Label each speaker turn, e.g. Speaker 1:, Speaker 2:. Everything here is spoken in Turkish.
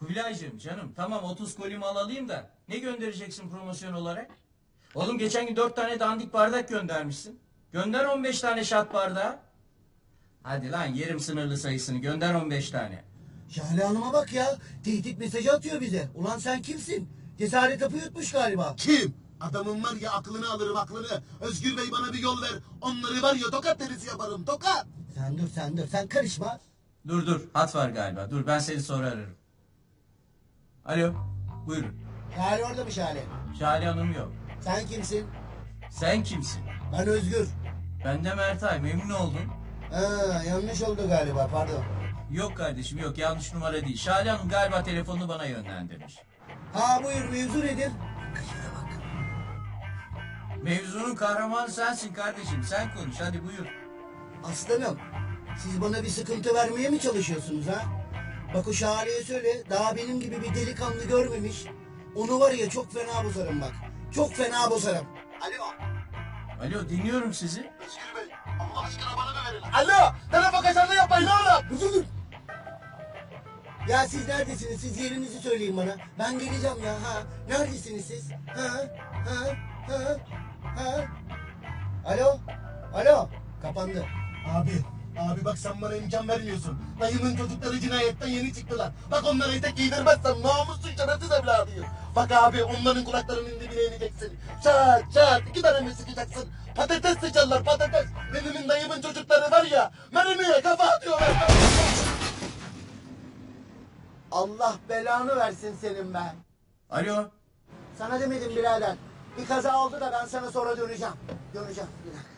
Speaker 1: Kubilaycığım canım tamam 30 koli mal alayım da ne göndereceksin promosyon olarak? Oğlum geçen gün 4 tane dandik bardak göndermişsin. Gönder 15 tane şat bardağı. Hadi lan yerim sınırlı sayısını gönder 15 tane.
Speaker 2: Şahane Hanım'a bak ya. Tehdit mesajı atıyor bize. Ulan sen kimsin? Cesaret hapı yutmuş galiba.
Speaker 3: Kim? Adamın var ya aklını alırım aklını. Özgür Bey bana bir yol ver. Onları var ya tokat derisi yaparım tokat.
Speaker 2: Sen dur sen karışma.
Speaker 1: Dur hat var galiba dur ben seni sonra ararım. Alo buyurun.
Speaker 2: Şahane orada mı Şahane?
Speaker 1: Şale Hanım yok.
Speaker 2: Sen kimsin?
Speaker 1: Sen kimsin?
Speaker 2: Ben Özgür.
Speaker 1: Ben de Mertay memnun oldum.
Speaker 2: Ha, yanlış oldu galiba pardon.
Speaker 1: Yok kardeşim yok yanlış numara değil. Şale Hanım galiba telefonunu bana yönlendirmiş.
Speaker 2: Ha buyur mevzu nedir?
Speaker 1: Mevzunun kahramanı sensin kardeşim sen konuş hadi buyur.
Speaker 2: Aslanım siz bana bir sıkıntı vermeye mi çalışıyorsunuz ha? Bak o Şahane'ye söyle daha benim gibi bir delikanlı görmemiş. Onu var ya çok fena bozarım bak. Çok fena bozarım. Alo.
Speaker 1: Alo dinliyorum sizi.
Speaker 3: Özgür Bey Allah aşkına bana da verin. Alo telefon kaçarını yapmayın oğlum.
Speaker 2: Dur. Ya siz neredesiniz? Siz yerinizi söyleyin bana. Ben geleceğim ya. Ha? Neredesiniz siz? Ha? Alo. Kapandı.
Speaker 3: Abi bak sen bana imkan vermiyorsun. Dayımın çocukları cinayetten yeni çıktılar. Bak onlara etek giydirmezsem namussuz şerefsiz evladıyım. Bak abi onların kulaklarının dibine ineceksin. Çat 2 tane mi sıkacaksın? Patates sıçarlar patates. Benim dayımın çocukları var ya mermiye kafa atıyorlar.
Speaker 2: Allah belanı versin senin be.
Speaker 1: Alo.
Speaker 2: Sana demedim birader. Bir kaza oldu da ben sana sonra döneceğim. Bir dakika.